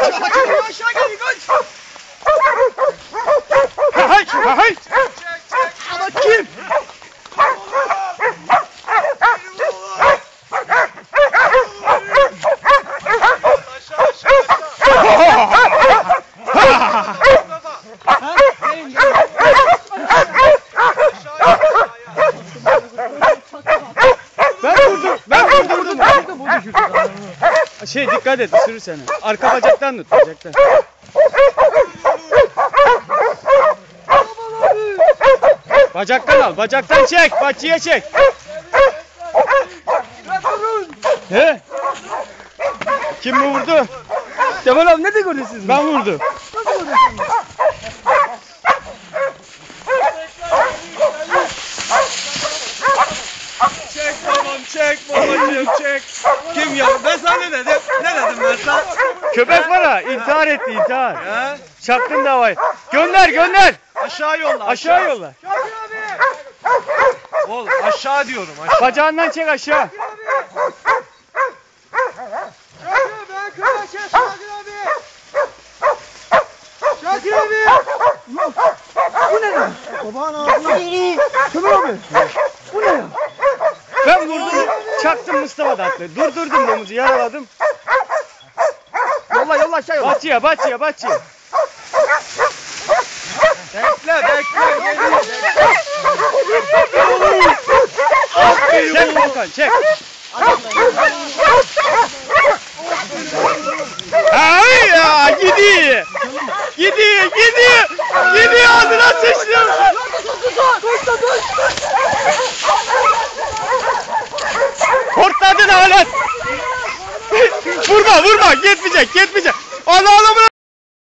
Aşağı gel kaç. Hay. Ama kim? Ben vurdum. Dikkat et, ısırır seni. Arka bacaktan tut, bacaktan. Bacaktan al, bacaktan çek, bahçeye çek. He? Kim mi vurdu? Cemal abi ne de görüyorsunuz? Ben vurdum. Nasıl görüyorsunuz? Çek babam, çek babacığım, çek. Kim ya? Ben sana ne dedim? Ne dedim ben sana? Köpek var ha, intihar etti, intihar. He? Çaktın davayı. Gönder. Aşağı yolla. Aşağı yolla. Oğlum aşağı diyorum aşağı. Bacağından çek aşağı. Şakir abi! Bu ne lan? Babağın ağzına. Kömür abi! Bu ne ya? Ben vurdum, çaktım Mustafa da attı. Durdurdum domuzu, yaraladım. Yolla aşağı yolla. Bahçeye. Bekle. Çek Volkan, çek. Ay ya, gidiyor. Gidiyor, ağzına sıçtım. Hortladın alet. Vurma, yetmeyecek.